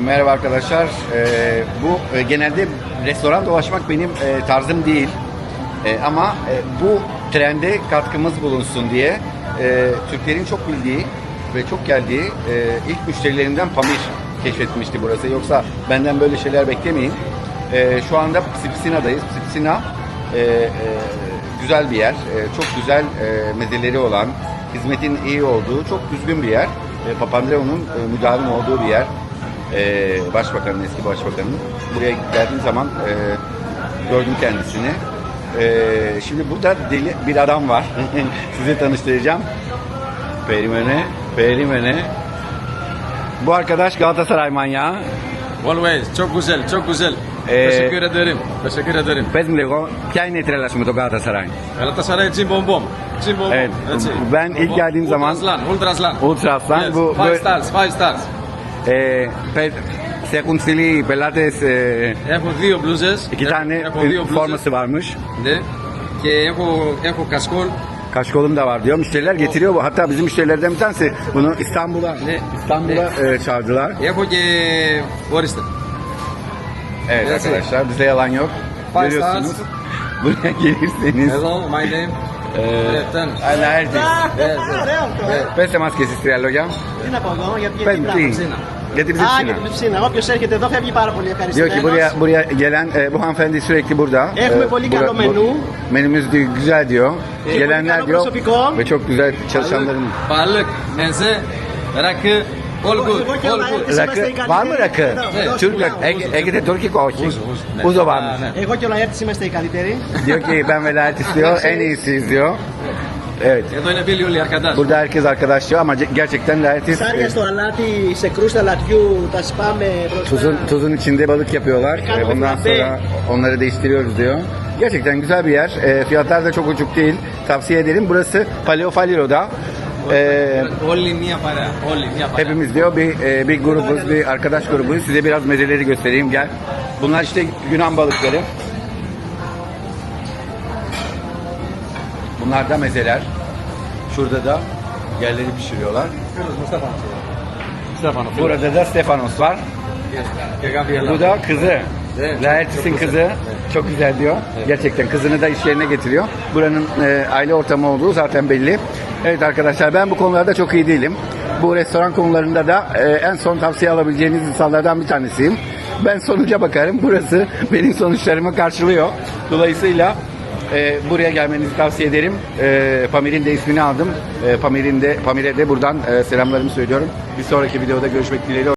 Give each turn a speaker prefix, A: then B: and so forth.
A: Merhaba arkadaşlar. Bu genelde restoran dolaşmak benim tarzım değil. Ama bu trende katkımız bulunsun diye Türklerin çok bildiği ve çok geldiği ilk müşterilerinden Pamir keşfetmişti burası. Yoksa benden böyle şeyler beklemeyin. Şu anda Psipisina'dayız. Psipisina güzel bir yer. Çok güzel mezeleri olan, hizmetin iyi olduğu, çok düzgün bir yer. Papandreou'nun müdavim olduğu bir yer. Başbakanın, eski başbakanın. Buraya geldiğim zaman gördüm kendisini. Şimdi burada deli bir adam var. Size tanıştıracağım. Perimene. Bu arkadaş Galatasaray manyağı.
B: Always. Çok güzel, çok güzel. Teşekkür ederim. Teşekkür ederim.
A: Πες μου λίγο, ποια είναι η τρέλα σου με τον Galatasaray?
B: Galatasaray Cimbom.
A: Evet, ben ilk geldiğim zaman
B: Ultraslan.
A: Ultra Aslan
B: Yes.
A: bu
B: Five stars.
A: se έχουν στείλει πελάτες
B: Έχω δύο μπλούζες.
A: iki tane
B: Έχω δύο μπλούζες.
A: forması varmış.
B: Ναι. Και έχω κασκόλ.
A: Kaşkolum da var diyor. Müşteriler getiriyor bu. Hatta bizim müşterilerden bir tanesi bunu İstanbul'a çağırdılar.
B: Έχω και ορίστε.
A: Evet
B: Evet.
A: arkadaşlar bizde yalan yok.
B: Five
A: Görüyorsunuz.
B: stars.
A: Buraya gelirseniz.
B: Εδώ, my name.
A: Alerjis. Πέστε μας και εσείς τρία λόγια.
C: Τι να πω εγώ, γιατί
A: Πες μου τι.
B: Ψίνα.
A: Για την
C: Α, για
A: ψήνα.
C: την ψήνα. Όποιος έρχεται εδώ fεύγει πάρα πολύ
A: Diyor ki
C: ευχαριστημένος.
A: buraya gelen bu hanımefendi sürekli burada.
C: Έχουμε πολύ καλό menü.
A: Menümüz diyor, güzel diyor.
C: Πολύ
A: Gelenler
C: καλό
A: diyor
C: προσωπικό.
A: ve çok güzel çalışanların.
B: Balık, meze, rakı, all good,
C: Εγώ και ο
B: all good.
C: Λαέρτης
A: Rakı
C: είμαστε οι
A: var mı rakı?
C: καλύτεροι. Εδώ,
A: Türk
C: εδώ,
A: rakı.
C: εδώ.
A: Ege'de Türk όχι.
B: Ναι.
A: Uzo varmış.
B: Ναι.
C: Εγώ και ο Λαέρτης είμαστε οι καλύτεροι.
A: Diyor ki ben velayet istiyor, en iyisiyiz diyor. Evet.
B: Εδώ είναι φίλοι όλοι αρκατάς.
A: Burada herkes arkadaş diyor ama gerçekten layetiz.
C: Ψάρια στο αλάτι, σε κρούστα λατιού, τα σπάμε μπροστά.
A: Tuzun içinde balık yapıyorlar. Ondan sonra onları değiştiriyoruz diyor. Gerçekten güzel bir yer. Fiyatlar da çok uçuk değil. Tavsiye ederim. Burası Paleofaliro'da.
B: Όλοι μία παρέα. Όλοι μία παρέα.
A: Hepimiz diyor bir grubuz, bir arkadaş grubuyuz. Size biraz mezeleri göstereyim. Gel. Bunlar işte Yunan balıkları. Bunlar da mezeler. Şurada da yerleri pişiriyorlar. Burada da Stefanos var.
B: Και κάποια
A: Bu da kızı.
B: Evet,
A: Laertis'in
B: çok
A: kızı. Çok güzel diyor. Gerçekten kızını da iş yerine getiriyor. Buranın aile ortamı olduğu zaten belli. Evet arkadaşlar ben bu konularda çok iyi değilim. Bu restoran konularında da en son tavsiye alabileceğiniz insanlardan bir tanesiyim. Ben sonuca bakarım. Burası benim sonuçlarımı karşılıyor. Dolayısıyla buraya gelmenizi tavsiye ederim. Pamir'in de ismini aldım. Pamir'e de buradan selamlarımı söylüyorum. Bir sonraki videoda görüşmek dileğiyle.